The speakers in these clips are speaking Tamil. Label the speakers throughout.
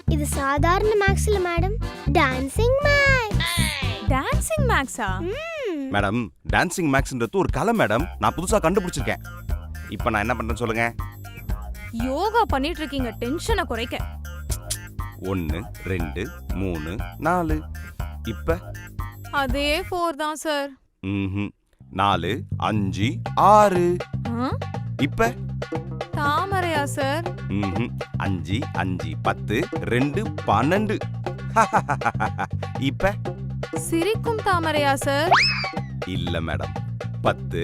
Speaker 1: இது சாதாரண மேக்ஸ் இல்ல மேடம், டான்சிங் மேக்ஸ்.
Speaker 2: டான்சிங் மேக்ஸா?
Speaker 3: மேடம் டான்சிங் மேக்ஸ்ன்றது ஒரு கலை மேடம். நான் புதுசா கண்டுபிடிச்சிருக்கேன். இப்போ நான் என்ன பண்றேன்னு சொல்லுங்க.
Speaker 2: யோகா பண்ணிட்டு இருக்கீங்க டென்ஷனை குறைக்க.
Speaker 3: 1 2 3 4. இப்ப
Speaker 2: அதே 4 தான் சார்.
Speaker 3: 4 5 6. இப்ப
Speaker 2: தாமரையா சார்?
Speaker 3: 5 5 10 2 12. இப்ப
Speaker 2: சிரிக்கும் தாமரையா சார்?
Speaker 3: இல்ல மேடம். 10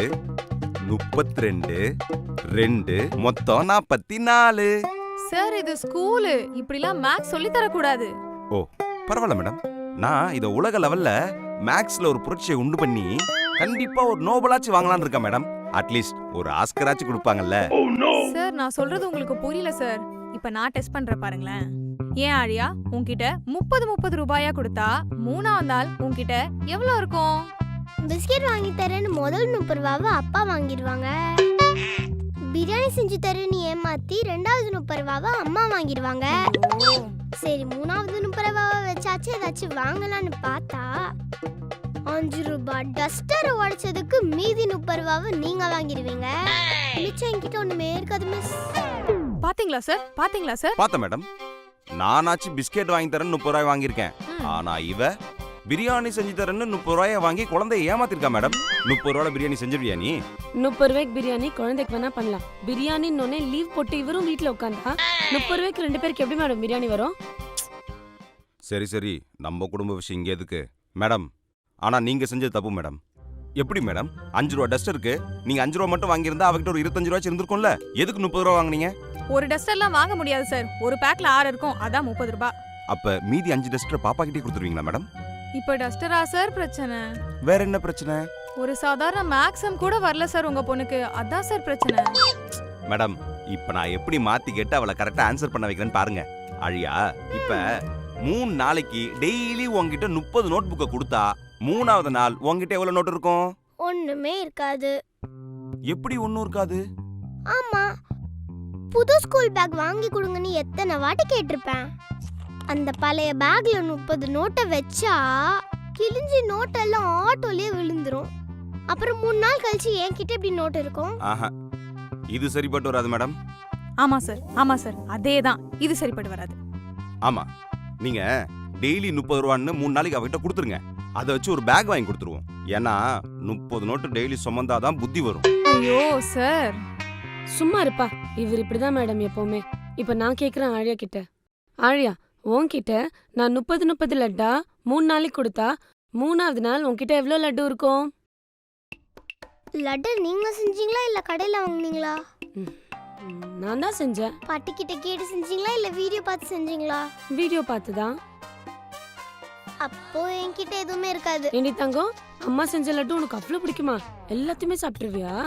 Speaker 3: 32 2 மொத்தம் 44.
Speaker 2: சார் இது ஸ்கூலு, இப்படிலாம் மேக்ஸ் சொல்லி தர கூடாது.
Speaker 3: ஓ பரவாயில்ல மேடம். நான் இத உலக லெவல்ல மேக்ஸ்ல ஒரு புரட்சியை உண்டு பண்ணி கண்டிப்பா ஒரு நோபலாச்சு வாங்கலாம்னு இருக்கேன் மேடம். அட்லீஸ்ட் ஒரு ஆஸ்கராச்சு கொடுப்பாங்கல்ல.
Speaker 2: சார் நான் சொல்றது உங்களுக்கு புரியல சார். இப்ப நான் டெஸ்ட் பண்ற பாருங்களேன். ஏன் ஆழியா, உன்கிட்ட 30 ரூபாயா கொடுத்தா 3ஆவது நாள் உன்கிட்ட எவ்வளவு இருக்கும்?
Speaker 1: பிஸ்கெட் வாங்கி தரேன்னு முதல் 30 ரூபாவை அப்பா வாங்கிடுவாங்க. பிரியாணி செஞ்சு தரேன்னு ஏமாத்தி 2வது 30 ரூபாவை அம்மா வாங்கிடுவாங்க. சரி 3வது 30 ரூபாவை வச்சாச்சு ஏதாச்சும் வாங்கலான்னு பார்த்தா 5 ரூபாய் டஸ்டரை உடைச்சதுக்கு மீதி 30 ரூபாவை நீங்க வாங்கிடுவீங்க. மிச்சம் என்கிட்ட ஒண்ணுமே இருக்காது மிஸ்.
Speaker 2: பாத்தீங்களா சார்? பாத்தீங்களா சார்?
Speaker 3: பார்த்தேன் மேடம். நானாச்சு பிஸ்கெட் வாங்கி தரேன்னு 30 ரூபாய் வாங்கியிருக்கேன். ஆனா இவ பிரியாணி செஞ்சு தரேன்னு 30 ரூபாயை வாங்கி குழந்தைய ஏமாத்திருக்கா மேடம். 30 ரூபாய் பிரியாணி செஞ்சிருவியா நீ?
Speaker 4: 30 ரூபாய்க்கு பிரியாணி குழந்தைக்கு வேணா பண்ணலாம். பிரியாணின்னு லீவ் போட்டு இவரும் வீட்டுல உட்காந்தா 30 ரூபாய்க்கு 2 பேருக்கு எப்படி மேடம் பிரியாணி வரும்?
Speaker 3: சரி சரி, நம்ம குடும்ப விஷயம் இங்க எதுக்கு மேடம்? ஆனா நீங்க செஞ்சது தப்பு மேடம். எப்படி மேடம் 5 ரூபாய் டஸ்டருக்கு நீங்க 5 ரூபாய் மட்டும் வாங்கியிருந்தா அவகிட்ட ஒரு 25 ரூபாய் இருந்திருக்கும்ல. எதுக்கு 30 ரூபாய் வாங்குனீங்க?
Speaker 2: ஒரு டஸ்டர்லாம் வாங்க முடியாது சார். ஒரு பேக்ல 6 இருக்கும், அதான் 30 ரூபாய்.
Speaker 3: அப்ப மீதி 5 டஸ்டர் பாப்பா கிட்டே கொடுத்துருவீங்களா மேடம்?
Speaker 2: இப்ப டஸ்டரா சார் பிரச்சனை?
Speaker 3: வேற என்ன பிரச்சனை?
Speaker 2: ஒரு சாதாரண மேக்ஸம் கூட வரல சார் உங்க பொண்ணுக்கு, அதான் சார் பிரச்சனை.
Speaker 3: மேடம் இப்ப நான் எப்படி மாத்தி கேட்டு அவளை கரெக்டா ஆன்சர் பண்ண வைக்கிறேன்னு பாருங்க. அழியா, இப்ப 3 நாளைக்கு டெய்லி உங்ககிட்ட 30 நோட் புக்கை கொடுத்தா 3வது நாள் உங்ககிட்ட எவ்வளவு நோட் இருக்கும்?
Speaker 1: ஒண்ணுமே இருக்காது.
Speaker 3: எப்படி ஒண்ணும் இருக்காது?
Speaker 1: ஆமா, புது ஸ்கூல் பேக் வாங்கி கொடுங்கன்னு எத்தனை வாட்டி கேட்டிருப்பேன். அந்த பழைய பேக்ல 30 நோட்டை வச்சா கிழிஞ்சி நோட்டெல்லாம் ஆட்டோலயே விழுந்துரும். அப்புறம் 3 நாள் கழிச்சு என்கிட்ட எப்படி நோட் இருக்கும்?
Speaker 3: ஆஹா, இது சரிப்பட்டு வராது மேடம்.
Speaker 2: ஆமா சார், ஆமா சார், அதேதான். இது சரிப்பட்டு வராது.
Speaker 3: ஆமா, நீங்க டெய்லி 30 ரூபான்னு 3 நாளைக்கு அவகிட்ட கொடுத்துருங்க. அதை வச்சு ஒரு பேக் வாங்கி கொடுத்துருவோம். ஏன்னா 30 நோட்டு டெய்லி சுமந்தாதான் புத்தி வரும்.
Speaker 2: ஐயோ சார்,
Speaker 4: சும்மா இருப்பா. இவர் இப்படிதான் மேடம் எப்பவுமே. இப்ப நான் கேக்குறேன் ஆழியா கிட்ட. ஆழியா, உன்கிட்ட நான் 30 லட்டா 3 நாளைக்கு கொடுத்தா 3வது நாள் உன்கிட்ட எவ்வளவு லட்டு இருக்கும்?
Speaker 1: லட்டு நீங்க செஞ்சீங்களா இல்ல கடையில வாங்குனீங்களா?
Speaker 4: நான் தான் செஞ்சேன்.
Speaker 1: பாட்டி கிட்ட கேட்டு செஞ்சீங்களா இல்ல வீடியோ பார்த்து செஞ்சீங்களா?
Speaker 4: வீடியோ பார்த்துதான்.
Speaker 1: அப்போ என்கிட்ட எதுவுமே இருக்காது.
Speaker 4: ஏண்டி தங்கம், அம்மா செஞ்ச லட்டு உனக்கு அவ்வளவு பிடிக்குமா? எல்லாத்தையுமே சாப்பிட்டுருவியா?